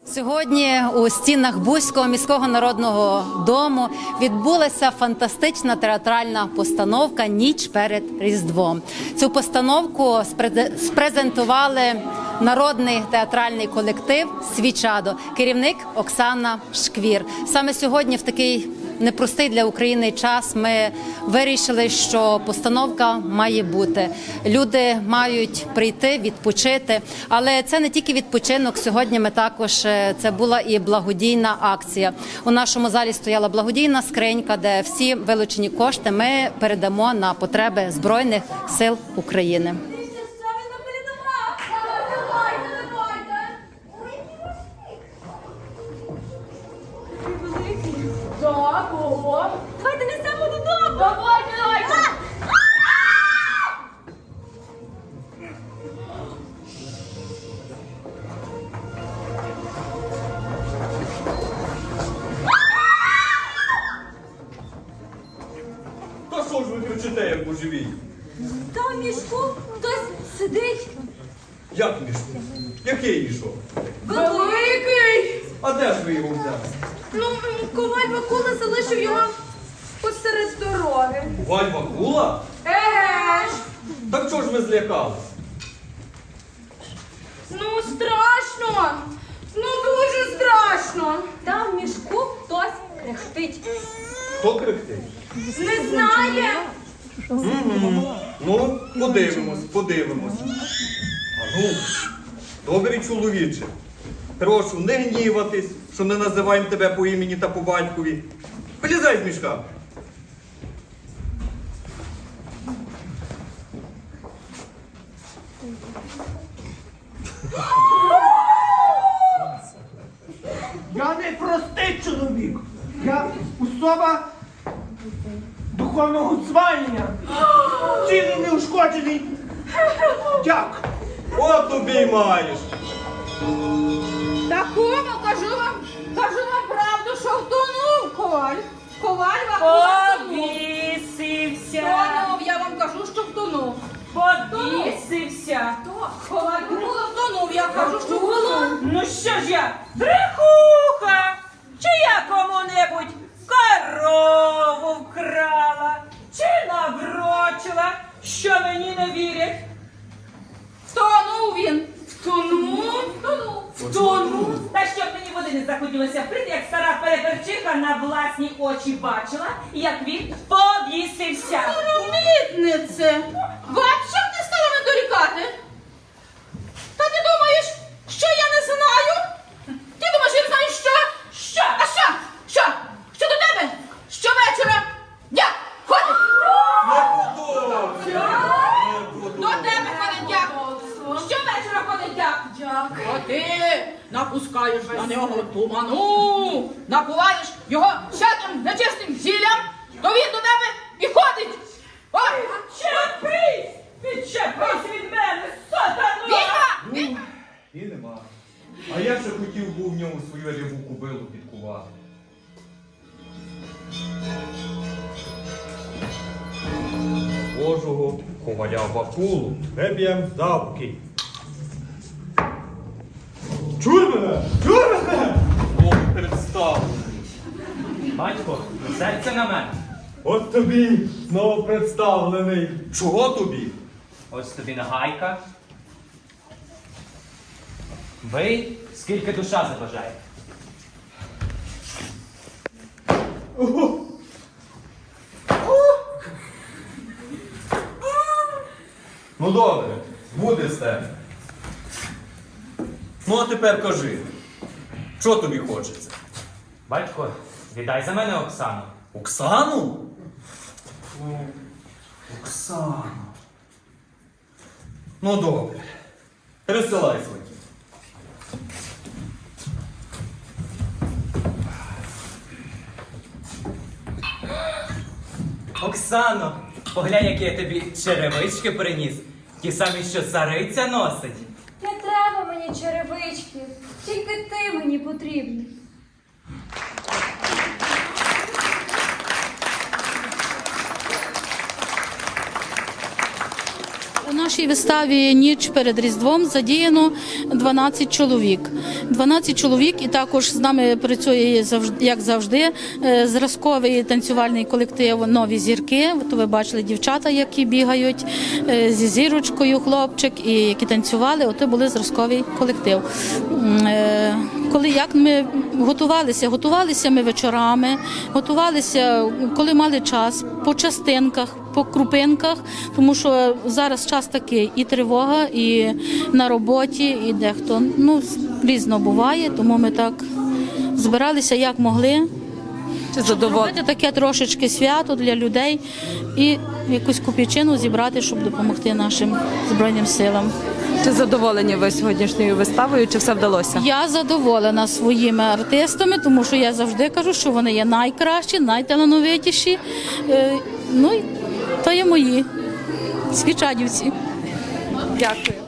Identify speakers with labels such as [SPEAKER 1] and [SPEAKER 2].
[SPEAKER 1] Сьогодні у стінах Буського міського народного дому відбулася фантастична театральна постановка «Ніч перед Різдвом». Цю постановку спрезентували народний театральний колектив «Свічадо», керівник Оксана Шквір. Саме сьогодні, в такий непростий для України час, ми вирішили, що постановка має бути. Люди мають прийти, відпочити. Але це не тільки відпочинок. Сьогодні ми також, це була і благодійна акція. У нашому залі стояла благодійна скринька, де всі вилучені кошти ми передамо на потреби Збройних сил України.
[SPEAKER 2] Давайте несемо додому! Давайте!
[SPEAKER 3] Та що ж ви кричите, як божевій?
[SPEAKER 2] Там в мішку хтось сидить.
[SPEAKER 3] Як мішок? Який мішок?
[SPEAKER 2] Великий!
[SPEAKER 3] А де ж ви його взяли?
[SPEAKER 2] Ну, коваль Вакула залишив його посеред дороги.
[SPEAKER 3] Валь Вакула?
[SPEAKER 2] Еге ж!
[SPEAKER 3] Так чого ж ви злякались?
[SPEAKER 2] Ну, страшно! Ну, дуже страшно! Там в мішку хтось кряхтить.
[SPEAKER 3] Хто кричить?
[SPEAKER 2] Не знає!
[SPEAKER 3] Ну, подивимось. А ну, добрий чоловіче, прошу не гніватись, що не називаємо тебе по імені та по батькові. Вилізай з мішка.
[SPEAKER 4] Я не простий чоловік. Я особа духовного звання. Цілий неушкоджений. Дяк.
[SPEAKER 3] От тобі маєш.
[SPEAKER 2] Такому кажу вам правду, що втонув коваль. Коваль Вакула
[SPEAKER 5] Повісився,
[SPEAKER 2] втонув. Я вам кажу, що втонув.
[SPEAKER 5] повісився.
[SPEAKER 2] Коваль Вакула втонув. Я кажу, що втонув.
[SPEAKER 5] Ну що ж я, брехуха? Чи я кому-небудь корову вкрала? Чи наврочила, що мені не вірять?
[SPEAKER 2] Втонув він. Втонув.
[SPEAKER 5] Втонув. Та щоб мені води не захотілося пити, як стара переперчиха на власні очі бачила, як він повісився.
[SPEAKER 2] Ромітнице. Бач, щоб ти стала мене дорікати. Та ти думаєш, що я не знаю? Ти думаєш, я не знаю що?
[SPEAKER 5] Що?
[SPEAKER 2] А що? Що? Що до тебе? Щовечора дяк ходить. До тебе ходить дяк. Щовечора ходить дяк. А ти напускаєш на нього туману, напуваєш його всяким нечистим зіллям, то він до тебе і ходить. Ой!
[SPEAKER 5] Відчепись! Відчепись від мене, сатано!
[SPEAKER 2] Відьма!
[SPEAKER 3] І нема. А я ще хотів був в ньому свою рябу кобилу підкувати. Божого коваля Вакулу не б'єм завки.
[SPEAKER 4] Чуй мене! Чуй мене!
[SPEAKER 3] Бог представлений.
[SPEAKER 5] Батько, серце на мене.
[SPEAKER 4] От тобі знову представлений.
[SPEAKER 3] Чого тобі?
[SPEAKER 5] Ось тобі нагайка. Бий, скільки душа забажає.
[SPEAKER 3] Ну добре, буде з тебе. Ну а тепер кажи, що тобі хочеться?
[SPEAKER 5] Батько, віддай за мене Оксану.
[SPEAKER 3] Оксану? Оксану. Ну добре. Пересилай свої.
[SPEAKER 5] Оксано, поглянь, які я тобі черевички приніс. Ті самі, що цариця носить.
[SPEAKER 6] Не треба мені черевички, тільки ти мені потрібний.
[SPEAKER 1] У нашій
[SPEAKER 7] нашій виставі «Ніч перед Різдвом» задіяно 12 чоловік. 12 чоловік, і також з нами працює, як завжди, зразковий танцювальний колектив «Нові зірки». То ви бачили дівчата, які бігають зі зірочкою, хлопчик, і які танцювали. Ото були зразковий колектив. Як ми готувалися ми вечорами, готувалися, коли мали час, по частинках, по крупинках, тому що зараз час такий, і тривога, і на роботі, і дехто, різно буває, тому ми так збиралися, як могли. Щоб зробити таке трошечки свято для людей і якусь копійчину зібрати, щоб допомогти нашим Збройним силам.
[SPEAKER 8] Чи задоволені ви сьогоднішньою виставою, чи все вдалося?
[SPEAKER 7] Я задоволена своїми артистами, тому що я завжди кажу, що вони є найкращі, найталановитіші. І то є мої свічадівці.
[SPEAKER 8] Дякую.